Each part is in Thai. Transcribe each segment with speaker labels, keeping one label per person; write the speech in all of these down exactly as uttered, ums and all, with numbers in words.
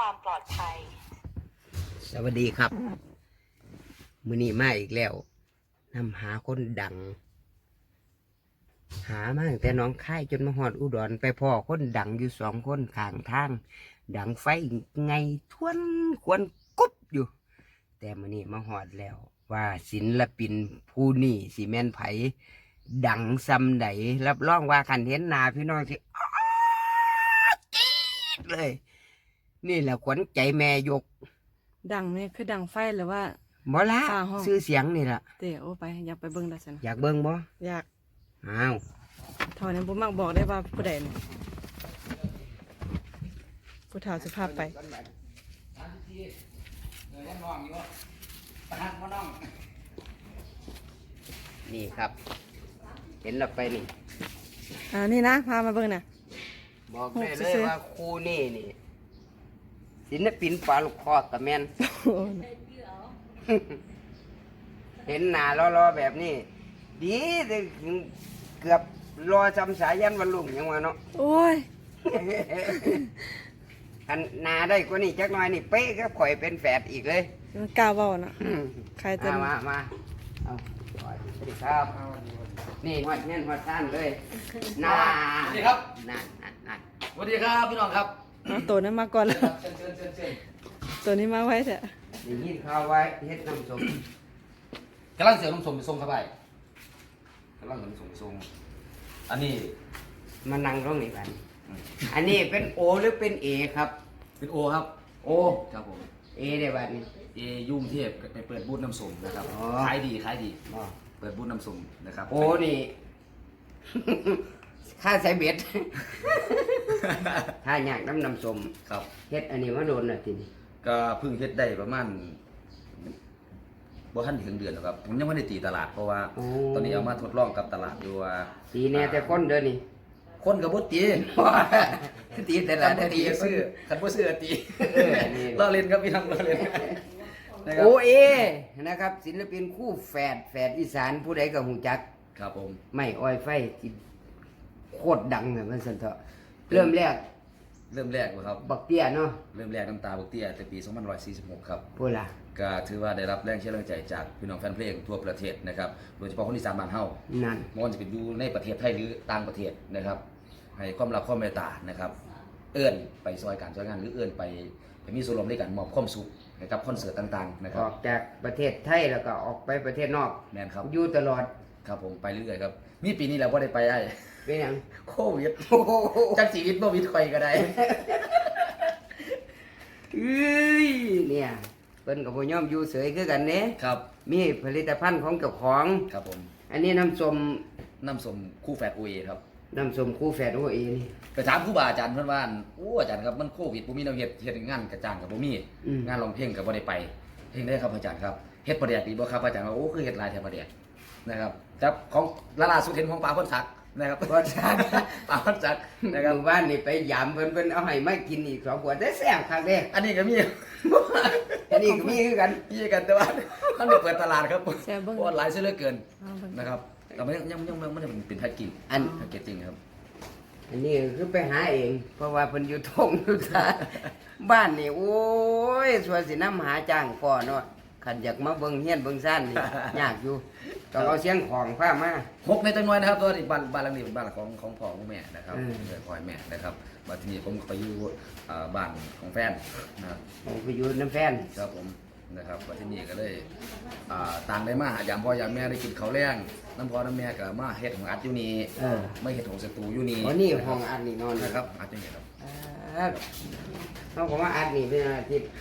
Speaker 1: ความปลอดภัย
Speaker 2: สวัสดีครับมื้อนี้มาอีกแล้วนำหาคนดัง หามาตั้งแต่หน้องค่ายจนมาฮอดอุดรไปพ่อคนดังอยู่สองคนข้างทาง ดังไฟไงทวนควรกุบอยู่ แต่มื้อนี้มาฮอดแล้ว ว่าศิลปินผู้นี้สิแม่นไผดังซำใดรับรองว่าคันเห็นหน้าพี่น้องสิอ๊าดกรี๊ดเลย นี่แหละขวัญใจแม่ยก
Speaker 3: ดังนี่คือดังไฟหรือว่า
Speaker 2: บ่ละ
Speaker 3: ฟ้าห้อง
Speaker 2: ชื่อเสียงนี่ล่ะ
Speaker 3: เตะโอไปอยากไปเบิ่งดัชนะ
Speaker 2: อยากเบิ่งบ่
Speaker 3: อยาก
Speaker 2: อ้าว
Speaker 3: เท่านั้นบ่มักบอกได้ว่าผู้ใดนี่ผู้เฒ่าสิพาไป
Speaker 2: นี่ครับ เห็นเราไปนี่
Speaker 3: อ่านี่นะพามาเบิ่งน่ะ
Speaker 2: บอกได้
Speaker 3: หก
Speaker 2: เล
Speaker 3: ซื่
Speaker 2: ย
Speaker 3: อๆ
Speaker 2: ว่าครูนี่นี่ศิลปินปลาลูกคอกับแมน เห็นหน้ารอๆแบบนี้ ดีแต่เกือบรอจำสายันวันลุงยังว่าเนาะ
Speaker 3: โอ้ย
Speaker 2: อันหนาได้กว่านี้จักหน่อยนี่เป๊ะก็ข่อยเป็นแฝดอีกเลย
Speaker 3: มันกล้าเว้านะใครจะ
Speaker 2: มามามาเอาสวัสดีครับ นี่หัดเงี้ยหัดท่านเลยน่า
Speaker 4: สวัสดีครับ
Speaker 2: น่าน่าน่า
Speaker 4: สวัสดีครับพี่น้องครับ
Speaker 3: เอาตัวนั้นมาก่อนแล้ว
Speaker 4: เชิญเชิญเชิญเชิญ
Speaker 3: ตัวนี้มาไว้เถอะ
Speaker 2: ได้ยินข่าวไว้เฮ็ดน้ำส้ม
Speaker 4: กำลังเสียวน้ำส้มไปส่งครับไปกำลังเสียวน้ำส้มไปส่งอันนี้
Speaker 2: มานั่งตรงนี้กันอันนี้เป็นโอหรือเป็นเอครับ
Speaker 4: เป็นโอครับ
Speaker 2: โอ
Speaker 4: ครับผม
Speaker 2: เอได้บัดนี้
Speaker 4: เอยุ่งเทพไปเปิดบูธน้ำส้มนะครับ
Speaker 2: อ๋อ
Speaker 4: ขายดีขายดี
Speaker 2: บ่
Speaker 4: เปิดบูธน้ำส้มนะครับ
Speaker 2: โอนี่ ค่าใส่เบ็ด ถ้าอยากน้ำน้ำส้ม
Speaker 4: ครับ
Speaker 2: เฮ็ดอันนี้มาโดนน่ะทีนี้
Speaker 4: ก็เพิ่งเฮ็ดได้ประมาณบ่ทันถึงเดือนหรอกครับผมยังไม่ได้ตีตลาดเพราะว่า
Speaker 2: โอ้
Speaker 4: ตอนนี้เอามาทดลองกับตลาดอยู่ว่า
Speaker 2: สีแน่แต่คนเด้อนี่
Speaker 4: คนกับบ่ตี
Speaker 2: ตีแต่
Speaker 4: คั
Speaker 2: ละ
Speaker 4: นบ่
Speaker 2: ตี
Speaker 4: ตีซื้อคันบ่ซื้อตี
Speaker 2: เออนี่
Speaker 4: ล้อเล่นครับพี่น้องล้อเล่นนะครับ
Speaker 2: โอเอนะครับ ศิลปินคู่แฝดแฝดอีสานผู้ใดก็หูจัก
Speaker 4: ครับผม
Speaker 2: ไม่อ้อยไฟที่โคตรดังเลยมันสันเถอะเริ่มแรก
Speaker 4: เริ่มแรกเลยครับ
Speaker 2: บักเตี้ยเนาะ
Speaker 4: เริ่มแรกน้ำตาบกเตี้ยแต่ปีสองพันหนึ่งร้อยสี่สิบหกครับ
Speaker 2: พูดละ
Speaker 4: ก็ถือว่าได้รับแรงเชื่อแรงใจจากพี่น้องแฟนเพลงทั่วประเทศนะครับโดยเฉพาะคนอีสานบ้านเฮา
Speaker 2: นั่น
Speaker 4: ไม่ว่าจะเป็นอยู่ในประเทศไทยหรือต่างประเทศนะครับ ให้ความรักความเมตตานะครับ เอื้อนไปซอยการซอยงานหรือเอื้อนไปไปมีส่วนร่วมในการมอบความสุขให้กับคอนเสิร์ตต่างๆนะค
Speaker 2: อ
Speaker 4: รับ
Speaker 2: อกจากประเทศไทยแล้วก็ออกไปประเทศนอก
Speaker 4: แมนครับ
Speaker 2: อยู่ตลอด
Speaker 4: ครับผมไปเรื่อยๆครับมีปีนี้เราก็ได้ไปไอ้
Speaker 2: เป็นหยัง
Speaker 4: โควิดจักชีวิตบ่วิดใครก็ได้
Speaker 2: เอ้ยเนี่ยเพิ่นกับพ่ย่อมอยู่เสยคือกันเด้
Speaker 4: ครับ
Speaker 2: มีผลิตภัณฑ์ของเจ้าของ
Speaker 4: ครับผม
Speaker 2: อันนี้น้ำส้ม
Speaker 4: น้ำส้มคู่แฝดโอเอครับ
Speaker 2: น้ำส้มคู่แฝดโอเอนี่
Speaker 4: ไปถามครูบาอาจารย์เพื่อนว่าโอ้อาจารย์ครับมันโควิดบ่มีแนวเฮ็ดเฮ็ดงานกระจ้างกับบ่มี
Speaker 2: อืม
Speaker 4: งานร้องเพลงกับบ่ได้ไปเพลงได้ครับอาจารย์ครับเฮ็ดประเดี๋ยวดีบ่ครับอาจารย์ว่าโอ้คือเฮ็ดหลายแถวประเดี๋ยวนะครับครับของล่าสุดเห็นของปลาพ่นสักนะครับ
Speaker 2: ก็ชัด
Speaker 4: ปลาพ่นสักนะ
Speaker 2: นะ
Speaker 4: ค
Speaker 2: ค
Speaker 4: รั
Speaker 2: รั
Speaker 4: บบ
Speaker 2: บ้านนี่ไปยามเพิ่นเพิ่นเอาให้มากินอีกสองขวดแต่แซ่บคักเด้
Speaker 4: อันนี้ก็มี
Speaker 2: อันนี้ก็มีคือกัน
Speaker 4: มีกันแต่ว่ามันได้เปิดตลาดครับ
Speaker 3: แซ่บเบิ่ง
Speaker 4: ออนไลน์ซะเหลือเกิน
Speaker 3: เอาเบิ่ง
Speaker 4: นะครับแต่มันยังยังยังมันยังเป็นแพ็กกิ้ง
Speaker 2: อัน
Speaker 4: แพ็กเกจจิ้งครับ
Speaker 2: อันนี้คือไปหาเอง เพราะว่าเพิ่นอยู่ทงอยู่ทาบ้านนี่โอ้ยสวยสินำหาจ้างก่อเนาะคันอยากมาเบิ่งเฮียนเบิ่งซ่านนี่ ยากอยู่ต้องเอาเสียงของพามา
Speaker 4: หกในจังหวัดนะครับตัวนี้บ้านบ้านหลังนี้เป็นบ้านของของพ่อของแม่นะครับ
Speaker 2: อืม
Speaker 4: เกิดพ่อแม่นะครับมาที่นี่ผมก็ไปอยู่เอ่อบ้านของแฟนนะครับ
Speaker 2: ผมไปอยู่น้ำแฟน
Speaker 4: ครับผมนะครับมาที่นี่ก็เลยอ่าต่างได้มาหายามพ่อยามแม่ได้กินข้าวแรงน้ำพ่อน้ำแม่ก็มาเฮ็ดของอัดอยู่นี่
Speaker 2: เออ
Speaker 4: ไม่เฮ็ดของสตูอยู่นี่
Speaker 2: วันนี้ห้องอัดนี่นอน
Speaker 4: นะ
Speaker 2: นะ
Speaker 4: ค
Speaker 2: ค
Speaker 4: รั
Speaker 2: รั
Speaker 4: บบ อัดอยู่นี่ครับ
Speaker 2: เขาก็มาอัดนี่เป็นอาทิตย์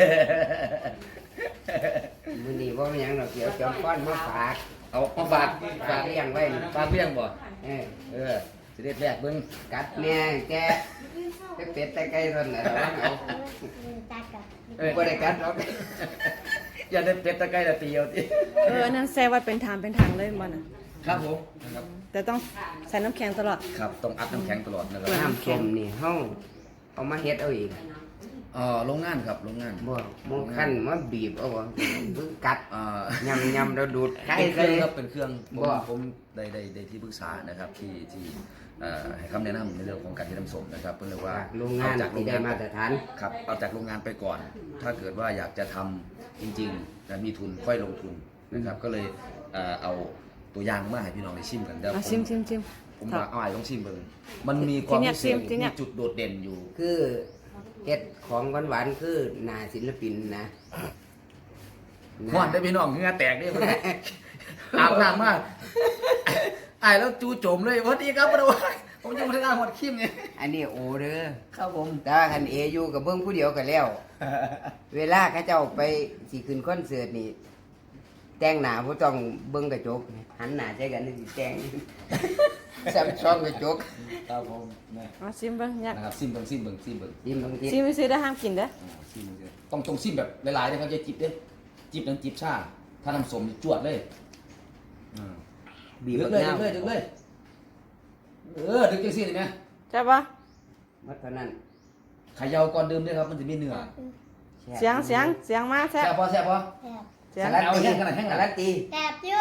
Speaker 2: มื้อนี้บ่มีหยังดอกเดี๋ยวจอมป้อนมาฝาก
Speaker 4: เอามาฝาก
Speaker 2: ฝากเลี้ยงไว้นี่
Speaker 4: ฝากเลี้ยงบ่
Speaker 2: เออ
Speaker 4: เออสิได้แรกเบิ่ง
Speaker 2: กัดแม่แกแต่เป็ดแต่ไก่เท่านั้นแหละระวังเอา
Speaker 4: เออ
Speaker 2: บ่ได้กัดหรอก
Speaker 4: อย่าได้เป็ดตะไคร้ตะเตียวติ
Speaker 3: เอออันนั้นแซ่ไว้เป็นทางเป็นทางเลยบ่น่ะ
Speaker 4: ครับผมนะครับ
Speaker 3: แต่ต้องใส่น้ำแข็งตลอด
Speaker 4: ครับต้องอัดน้ำแข็งตลอดนะครับ
Speaker 2: น้ำส้มนี่เฮาเอามาเฮ็ดเอาเอง
Speaker 4: เอ่อโรงงานครับโรงงาน
Speaker 2: บ่บ่คั้นมาบีบเอาบ่เพิ่งกัด
Speaker 4: อ่า
Speaker 2: ยำยำแล้วดูดไก่
Speaker 4: เป็นเค
Speaker 2: ใส่
Speaker 4: รื่องครับเป็นเครื่องผม
Speaker 2: บ่
Speaker 4: ผมได้ได้ได้ที่ปรึกษานะครับที่ที่เอ่อให้คำแนะนำในเรื่องของการที่น้ำส้มนะครับเพื่อเรียกว่า
Speaker 2: โรงงาน
Speaker 4: เอจากโร
Speaker 2: ที่
Speaker 4: ง
Speaker 2: ได้
Speaker 4: งาน
Speaker 2: มาตรฐาน
Speaker 4: ครับเอาจากโรงงานไปก่อน ถ้าเกิดว่าอยากจะทำจริงๆนะมีทุนค่อยลงทุนนะครับก็เลยเอ่อเอาตัวอย่างมาให้พี่น้องได้ชิมกันเดี๋ยว
Speaker 3: อ่ะ
Speaker 4: ผม
Speaker 3: ชิมชิมชิม
Speaker 4: ผมว่าเอาไอ้ต้องชิมเบิ่งมันมีความ
Speaker 3: ที่เนี่ย
Speaker 4: พิเศษ
Speaker 3: ที่เนี่
Speaker 4: มี
Speaker 3: ย
Speaker 4: จุดโดดเด่นอยู่
Speaker 2: คือเฮ็ดของหวานๆคือหน้าศิลปินนะห
Speaker 4: หวานได้พี่น้องเหงื่อแตกนี่มัน อาบน้ำมากไอ้แล้วจูโจมเลยสวัสดีครับพระวัยผมจะมาทำงานหมดคิมเนี่ย
Speaker 2: อันนี้โอเด้อ
Speaker 4: ครับผม
Speaker 2: แต่ว่าคันเออยู่กับเบิ้งผู้เดียวกันแล้ว เวลาเขาเจ้าไปสิขึ้นคอนเสิร์ตนี่ แต่งหน้าบ่ต้องเบิ้งกระจก หันหน้าใส่กันนี่สิแต่ง ซับซ้อนกระจก
Speaker 4: ครับผมนะ
Speaker 3: เอาชิมเบิ่งเนี่ย
Speaker 4: นะครับซิมเบิ่งซิมเบิ่งซิมเบิ่ง
Speaker 2: ยิ้มบางที
Speaker 3: ชิมไปซื้อได้ห้ามกินเด้อ
Speaker 4: อ่าซิมเบิ่งต้องต้องซิมแบบหลายๆนะครับจะจิบเด้จิบนั้นจิบชาถ้าน้ำส้มนี่จวดเลยอ่า
Speaker 2: บีบ
Speaker 4: ดึ
Speaker 2: บั
Speaker 4: ก
Speaker 2: ก
Speaker 4: เลย
Speaker 2: นา
Speaker 4: ดึ
Speaker 2: ว
Speaker 4: กเลยดึกเลยเออดึกจังซี่เห็นไหม
Speaker 3: ใช่ปะ
Speaker 2: มัดเท่านั้น
Speaker 4: เขย่าก่อนดื่มด้วยครับมันจะมีเนื้อ
Speaker 3: เสียงเสียงเสียงมาแซ่
Speaker 4: แซ่
Speaker 3: บบ
Speaker 4: พอแซ่บพอ
Speaker 3: เสียง
Speaker 2: สลัด
Speaker 4: เอา
Speaker 2: ตี
Speaker 4: แห้งขนาดแห้งขนาด
Speaker 2: สลัดตี
Speaker 1: แสบอยู่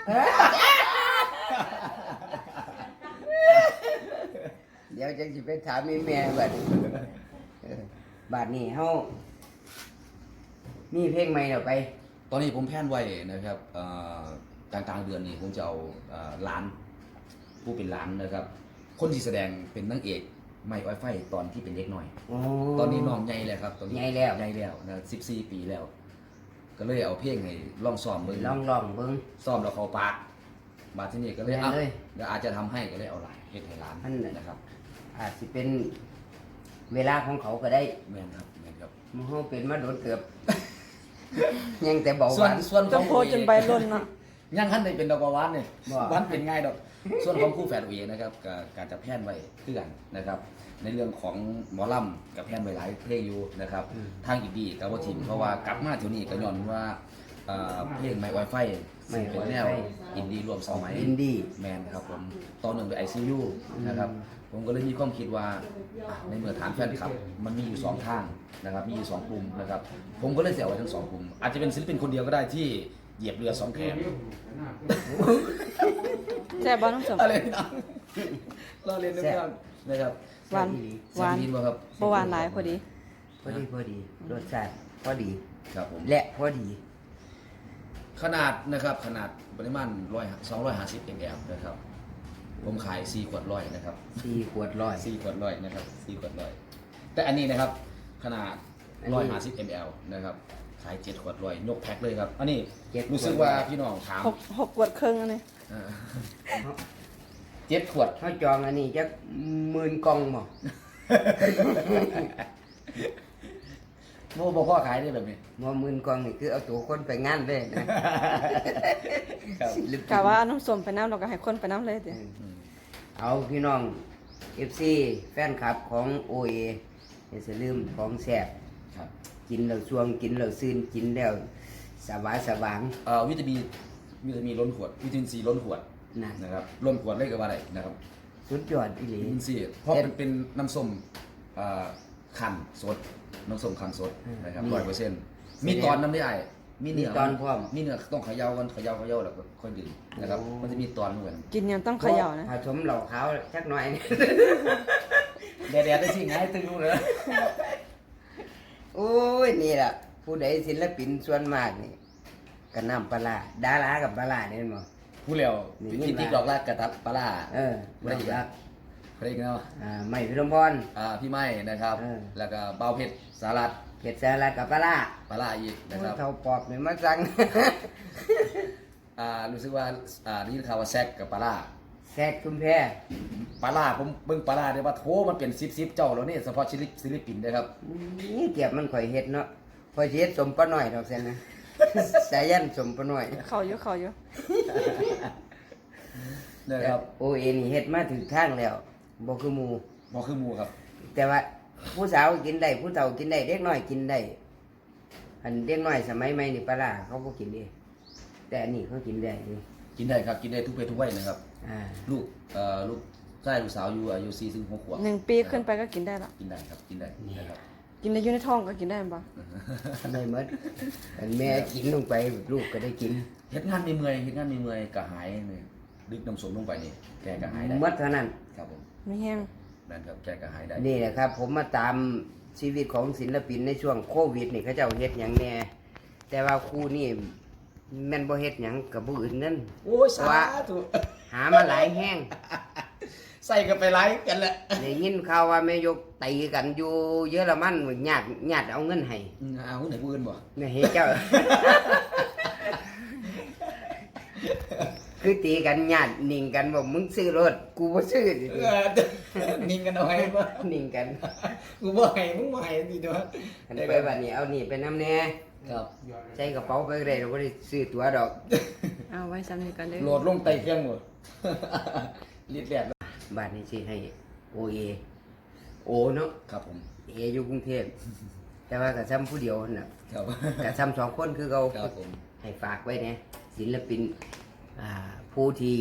Speaker 2: เดี๋ยวจังสิไปถามแม่แม่บัดนี้เออบัดนี้เฮามีเพลงใหม่แล้วไป
Speaker 4: ตอนนี้ผมแพลนไว้นะครับเอ่อกลางกลางๆเดือนนี้ผมจะเอาเอ่อร้านผู้เป็นร้านนะครับ คนที่แสดงเป็นนางเอกไม่ไวไฟตอนที่เป็นเด็กหน่อย
Speaker 2: โอ้
Speaker 4: ตอนนี้น้องใหญ่แล้วครับตอนนี้
Speaker 2: ใหญ่แล้ว
Speaker 4: ใหญ่แล้วนะสิบสี่ปีแล้ว ก็เลยเอาเพลงให้ลองซ้อมเบิ่ง
Speaker 2: ลองลองเบิ่ง
Speaker 4: ซ้อมแล้วเขาปากบาดที่นี่ก็เลย
Speaker 2: แม่น
Speaker 4: อ่ะ
Speaker 2: เลย
Speaker 4: เดี๋ยวอาจจะทำให้ก็เลยเอาหลานเฮ็ดให้ร้าน
Speaker 2: อันนั้น
Speaker 4: นะครับ
Speaker 2: อาจสิเป็นเวลาของเขาก็ได้
Speaker 4: แม่นครับแม่นครับ
Speaker 2: มันเฮาเป็นมาโดนเกือบ ยังแต่เบาห
Speaker 4: ส่วน
Speaker 2: วาน
Speaker 4: ส่วนข
Speaker 3: ต้
Speaker 4: อ
Speaker 3: อง
Speaker 4: ง
Speaker 3: โพสจนใบล่นเนาะ
Speaker 4: ยังขั้นได้เป็นดอกบัวหวานเนี่ย
Speaker 2: บ่
Speaker 4: หวานเป็นง่ายดอก ส่วนของคู่แฝดเองนะครับก็การจะแพร่นไว้เพื่อนนะครับ ในเรื่องของหมอลำกับแพร่นไว้หลายเพลงอยู่นะครับ ทางอีกดีกับว่าทีมเพราะว่ากลับมาเที่ยวนี้ก็ย้อนว่าเอ่อเพลงไม้ไวไฟซึ่งเป็นแนวอินดี้รวมสมัย
Speaker 2: อินดี้
Speaker 4: แมนครับผมตอนหนึ่งเป็นไอซียูนะครับ ผมก็เลยมีความคิดว่าอ่ะในเมื่อฐานแฟนคลับ มันมีอยู่สองทางนะครับ มีอยู่สองกลุ่มนะครับ ผมก็เลยเสียไว้ทั้งสองกลุ่ม อาจจะเป็นศิลปินคนเดียวก็ได้ที่เหยียบเรือสองแขน
Speaker 3: แซ่บบ่น้องสม
Speaker 4: อะไรนะเราเรียนด้วยกันนะครับ
Speaker 3: หวานหวาน
Speaker 4: แซ่บดีบ่ครับ
Speaker 3: บ่หวานหลายพอดี
Speaker 2: พอดีพอดีรสชาติพอดี
Speaker 4: ครับผม
Speaker 2: และพอดี
Speaker 4: ขนาดนะครับขนาดปริมาณร้อยสองร้อยห้าสิบมลนะครับ ผมขายสี่ขวดร้อยนะครับ
Speaker 2: สี่ขวดร้อย
Speaker 4: สี่ขวดร้อยนะครับสี่ขวดร้อยแต่อันนี้นะครับขนาด
Speaker 2: อันนี้
Speaker 4: ร้อยห้าสิบมลนะครับขายเจ็ดขวดร้อยยกแพ็คเลยครับ อันนี้
Speaker 2: เจ็ด
Speaker 4: รู้สึกว่าพี่น้องถาม
Speaker 3: หกหกขวดครึ่งอันนี้
Speaker 4: อ่าเจ็ดขวด
Speaker 2: เขาจองอันนี้จักหมื่นกล่องบ่
Speaker 4: โม่บอกพ่อขายได้แบบนี้
Speaker 2: บ่หมื่นกล่องนี่คือเอาตัวคนไปงานเลยนะครับ ศิลปิน
Speaker 3: กะว่าเอาน้ำส้มไปน้ำเราก็ให้คนไปน้ำเลยเด้อ
Speaker 2: อืมเอาพี่น้อง เอฟ ซี แฟนคลับของ โอ เอ อย่าลืมของแซ่บ
Speaker 4: ครับ
Speaker 2: กินแล้วช่วงกินแล้วซื่นกินแล้วสบายสว่าง
Speaker 4: เอ่อวิตามินวิตามินล้นขวดวิตามินซีล้นขวด
Speaker 2: นะ
Speaker 4: นะครับล้นขวดเลยก็ว่าได้นะครับ
Speaker 2: สุดยอดอีหลี
Speaker 4: วิตามินซีเพราะมันเป็นน้ำส้มเอ่อคั้นสดน้ำส้มคั้นสดนะครับร้อยเปอร์เซ็นต์มีตอนน้ำได้ไอ้มีเนื้อ
Speaker 2: มีตอนพร้อม
Speaker 4: มีเนื้อต้องเขย่ากันเขย่าเขย่าแล้วก็ค่อยดื่มนะครับ
Speaker 2: โอ้
Speaker 4: มันจะมีตอนเหมือน
Speaker 3: กินยังต้องเขย่านะ
Speaker 2: ผสมเหล่าขาวสักหน่อย
Speaker 4: แดดๆได้สิไงตึงรู้เลย
Speaker 2: โอ้ยนี่ล่ะ ผู้ใดศิลปินส่วนมากนี่ก็น้ำปลาร้าดารากับปลาร้าเนี่ยมั้ง
Speaker 4: ผู้เลี้ยว
Speaker 2: นี่
Speaker 4: พิธีกรอกลากกระตับปลาร้า
Speaker 2: เออ
Speaker 4: ไม่ได้อีก
Speaker 2: รั
Speaker 4: แล้
Speaker 2: ก
Speaker 4: ใครอีกเนาะ
Speaker 2: อ่าไม่พิรมพร
Speaker 4: อ่าพี่ไม้นะครับ
Speaker 2: เออ
Speaker 4: แล้วก็เบาเพชรสารัต
Speaker 2: เผ็ดแซ่บกับปลาร้า
Speaker 4: ปลาร้าอีกนะครับ
Speaker 2: เท่าปอบนี่มาสั่ง
Speaker 4: อ่ารู้สึกว่าอ่าได้ยินข่าวว่าแซกกับปลาร้า
Speaker 2: แซกชุมแพ
Speaker 4: ปลาร้าผมเบิ่งปลาร้าได้ว่าโถมันเป็นซิบซิบเจ้าแล้วนี่เฉพาะศิลปศิลปินนะครับ
Speaker 2: นี่เก็บมันข่อยเฮ็ดเนาะข่อยสิเฮ็ดสมปลาหน่อยดอกแซ่นนะ สายันสมปลาหน่อย
Speaker 3: เขาอยู่เขาอยู่
Speaker 4: นะครับ
Speaker 2: โอเอนี่เฮ็ดมาถึงทางแล้วบ่คือหมู่
Speaker 4: บอคือหมูครับ
Speaker 2: แต่ว่าผู้สาวกินได้ผู้เฒ่ากินได้เด็กน้อยกินได้อันเด็กน้อยสมัยใหม่นี่ปลาร้าเขาบ่กินเด้แต่อันนี้เขากินได้นี่
Speaker 4: กินได้ครับกินได้ทุกเพศทุกวัยนะครับ
Speaker 2: อ่า
Speaker 4: ลูกเอ่อลูกชายลูกสาวอยู่อายุสี่ถึงหกขวบ
Speaker 3: หนึ่งปีขึ้นไปก็กินได้ละ
Speaker 4: กินได้ครับกินได้นะครับ
Speaker 3: กินได้อยู่ในท้องก็กินได้บ่
Speaker 2: ได้หมดอันแม่กินลงไปลูกก็ได้กิน
Speaker 4: เฮ็ดงานมีเมื่อยเฮ็ดงานมีเมื่อยกระหายเนี่ยดึกน้ำส้มลงไปนี่แกกระหายได้
Speaker 2: หมดเท่านั้น
Speaker 4: ครับผม
Speaker 2: ห
Speaker 3: ไม่แห้ง
Speaker 4: นั่นครับแกก็หายได้
Speaker 2: นี่แหละครับ ผมมาตามชีวิตของศิลปินในช่วงโควิดนี่เขาเจ้าเฮ็ดหยังแน่แต่ว่าครูนี่แม่นบ่เฮ็ดหยังกับผู้อื่นนั่น
Speaker 4: โอ้ยสาธุ
Speaker 2: หามาหลายแห้ง
Speaker 4: ใส่กันไปไลฟ์กันแหละ
Speaker 2: ได้ยินข่าวว่าแม่ยกตีกันอยู่เยอรมันญาติญาติเอาเงินให้
Speaker 4: อืมเอาไหนผู้อื่นบ่
Speaker 2: เนี่ยเฮ็ดเจ้า คือตีกันญาตินิ่งกันบอกมึงซื้อรถกูบ่ซื้อ
Speaker 4: เออนิ่งกันเอาไว้บ่
Speaker 2: นิ่งกัน
Speaker 4: กูบ่ให้มึงบ่ให้สิเด้อ
Speaker 2: คันไปบัดนี้เอานี่ไปนำแน่
Speaker 4: ครับ
Speaker 2: ใส่กระเป๋าไปก็ได้เราบ่ได้ซื้อตั๋วดอก
Speaker 3: เอาไว้ซ้ำนี้กันเด้อ
Speaker 4: โหลดลงไต่เครื่องหมด รีดแลด
Speaker 2: บ้านนี้สิให้โอเอโอเนาะ
Speaker 4: ครับผม
Speaker 2: เออยู่กรุงเทพแต่ว่าก็ซ้ำผู้เดียวนั่นน่ะ
Speaker 4: ครับ
Speaker 2: ก็ซ้ำสองคนคือเขา
Speaker 4: ครับผม
Speaker 2: ให้ฝากไว้เนี่ยศิลปินอ่าผู้ที่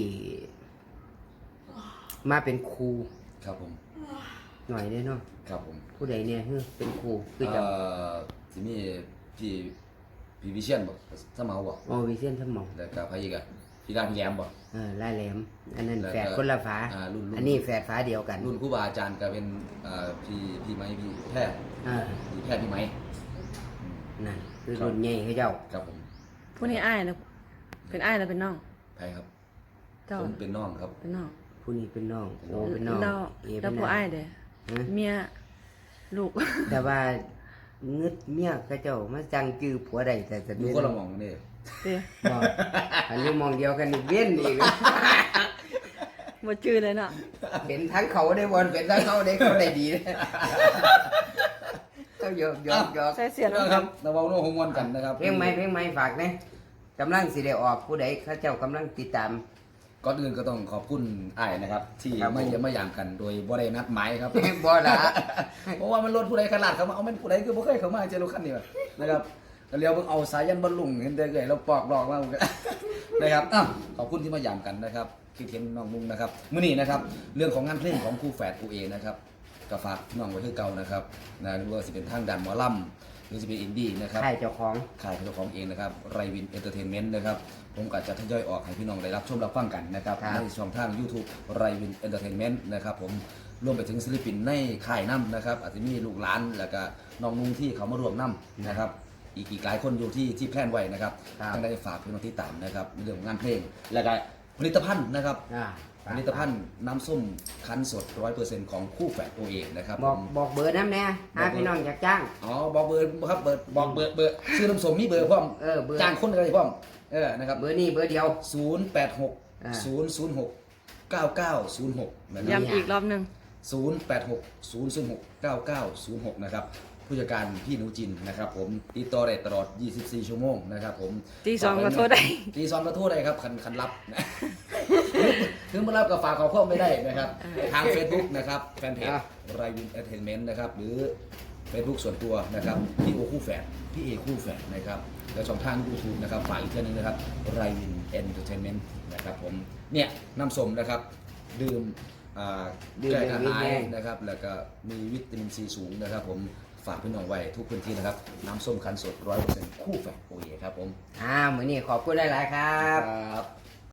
Speaker 2: มาเป็นครู
Speaker 4: ครับผม
Speaker 2: หน่อยเนี่ยเนาะ
Speaker 4: ครับผม
Speaker 2: ผู้ใดเนี่ยคือเป็นครูคือจะ
Speaker 4: เอ่อสิมีพี่พี่วิเชียนบ่สมาบ่
Speaker 2: โอวิเซียนสมอง
Speaker 4: แล้วก็พระอีกอ่ะพี่ดาพี่แหลมบ่
Speaker 2: เออลายแหลม อันนั้น
Speaker 4: แล้วก็
Speaker 2: แฝดคนละฝา
Speaker 4: อ่ารุ่นรุ่น
Speaker 2: อันนี้แฝดฝาเดียวกัน
Speaker 4: รุ่นครูบาอาจารย์ก็เป็นเอ่อพี่พี่ไม้พี่แพทย์
Speaker 2: อ่า
Speaker 4: พี่แพทย์พี่ไม้อืม
Speaker 2: นั่นคือรุ่นใหญ่เขาเจ้า
Speaker 4: ครับผม
Speaker 3: ผู้นี้อ้ายนะเป็นอ้ายแล้วเป็นน้อง
Speaker 4: ไผครับ
Speaker 3: เจ้า
Speaker 4: ผมเป็นน้องครับ
Speaker 3: เป็นน้อง
Speaker 2: ผู้นี้เป็นน้องโอเป็นน้อง
Speaker 3: เรา
Speaker 2: เอ
Speaker 3: แล้
Speaker 2: เป็
Speaker 3: วน ผู้
Speaker 2: น้า
Speaker 3: อ้ายเด้อ
Speaker 2: ฮะ
Speaker 3: เมียลูก
Speaker 2: แต่ว่าเงึดเมียเขาเจ้ามาจังจื้อผัวใดแต่จะ
Speaker 4: อยู่คนละหม่องนี่
Speaker 3: เด้อ
Speaker 2: บอกอันนี้มองเดียวกันอีกเว้นอีก
Speaker 3: บ่ชื่อเลยเนาะ
Speaker 2: เป็นทั้งเขาได้บอลเป็นทั้งเขาได้เขาได้ดีนะเขาหยอกหยอกหยอก
Speaker 3: ใส่เสีย
Speaker 4: นะ
Speaker 3: น้ำ
Speaker 4: ค
Speaker 3: ค
Speaker 4: รั
Speaker 3: รั
Speaker 4: บบ เราเว้าโน้ฮงมวนกันนะครับ
Speaker 2: เพลงไหมเพลงไหมฝากเนี่ยกำลังสิได้ออกผู้ใดเขาเจ้ากำลังติดตาม
Speaker 4: ก่อนอื่นก็ต้องขอบคุณอ้ายนะครับ ที่
Speaker 2: ครับผม
Speaker 4: ไม่เยี่ยมไม่ยามกันโดยบ่ได้นัดหมายครับ
Speaker 2: บ่ละ
Speaker 4: เพราะว่ามันรถผู้ใดขลาดเขามาเอามันผู้ใดคือบ่เคยเข้ามาเจอรถคันนี้แบบนะครับก็เรียวเพิ่งเอาสายยันบรรลุงเห็นได้เลยเราปอกหลอกมา นะครับอ้าวขอบคุณที่มายามกันนะครับคิดเห็นน้องมุงนะครับมื้อนี้นะครับเรื่องของงานเพลงของครูแฝดครูเอนะครับก็ฝากน้องไว้คือเก่านะครับนะหรือว่าสิเป็นทางด้านหมอลำหรือสิเป็นอินดี้นะครับ
Speaker 2: ใช่เจ้าของ
Speaker 4: ค่ายของเจ้าของเองนะครับไรวินเอนเตอร์เทนเมนต์นะครับผมก็จะทยอยออกให้พี่น้องได้รับชมรับฟังกันนะครับ
Speaker 2: ครับ
Speaker 4: ในช่องทาง YouTube ไรวินเอนเตอร์เทนเมนต์นะครับผมรวมไปถึงศิลปินในค่ายน้ำนะครับอาจจะมีลูกหลานแล้วก็น้องนุ่งที่เขามารวมน้ำนะครับอีกอีกหลายคนอยู่ที่ที่แพลนไว้นะครับ
Speaker 2: ครับ
Speaker 4: ทั้งได้ฝากพี่น้องที่ตามนะครับในเรื่องของงานเพลง แล้วก็ผลิตภัณฑ์นะครับ
Speaker 2: อ่า
Speaker 4: ผลิตภัณฑ์น้ำส้มคั้นสด ร้อยเปอร์เซ็นต์ ของคู่แฝดตัวเองนะครับ
Speaker 2: บอก
Speaker 4: ผม
Speaker 2: บอกเบอร์น้ำแน่หาพี่น้องอยากจ้าง
Speaker 4: อ๋อบอกเบอร์ครับเบอร์บอกเบอร์เบอร์ชื่อน้ำส้มมีเบอร์พร้อม
Speaker 2: เออเบอร์
Speaker 4: จ้างคนอะไรพร้อมเออนะครับ
Speaker 2: เบอร์นี้เบอร์เดียว
Speaker 4: ศูนย์แปดหก
Speaker 2: อ่า
Speaker 4: ศูนย์ศูนย์หกเก้าเก้าศูนย์หกนะครับ
Speaker 3: ย้ำอีกรอบหนึง
Speaker 4: ศูนย์แปดหกศูนย์ศูนย์หกเก้าเก้าศูนย์หกนะครับผู้จัดการพี่หนูจินนะครับผมติดต่อได้ตลอดยี่สิบสี่ชั่วโมงนะครับผม
Speaker 3: ตีสองก็โทรได้
Speaker 4: ตีสองก็โทษได้ครับคันคันรับนะ ถึงมารับกับฝากขอเพิ่มไม่ได้นะครับ ทาง Facebook นะครับแฟนเพจ
Speaker 2: อ่ะ
Speaker 4: ไรวินเอนเตอร์เทนเมนต์นะครับหรือ Facebook ส่วนตัวนะครับพี่โอคู่แฝดพี่เอคู่แฝดนะครับแล้วช่องทาง YouTube นะครับฝากอีกเท่านึงนะครับไรวินเอนเตอร์เทนเมนต์นะครับผมเนี่ยน้ำส้มนะครับดื่มอ่า
Speaker 2: ดื่ม
Speaker 4: แก้กระ
Speaker 2: ดื่ม
Speaker 4: หาย
Speaker 2: แห้ง
Speaker 4: นะครับแล้วก็มีวิตามินซีสูงนะครับผมฝากพี่น้องไว้ทุกพื้นที่นะครับน้ำส้มคั้นสด ร้อยเปอร์เซ็นต์ คู่แฝดโอเอครับผม
Speaker 2: อ่ามื้อนี้ขอบคุณหลายๆครับ
Speaker 4: ครับ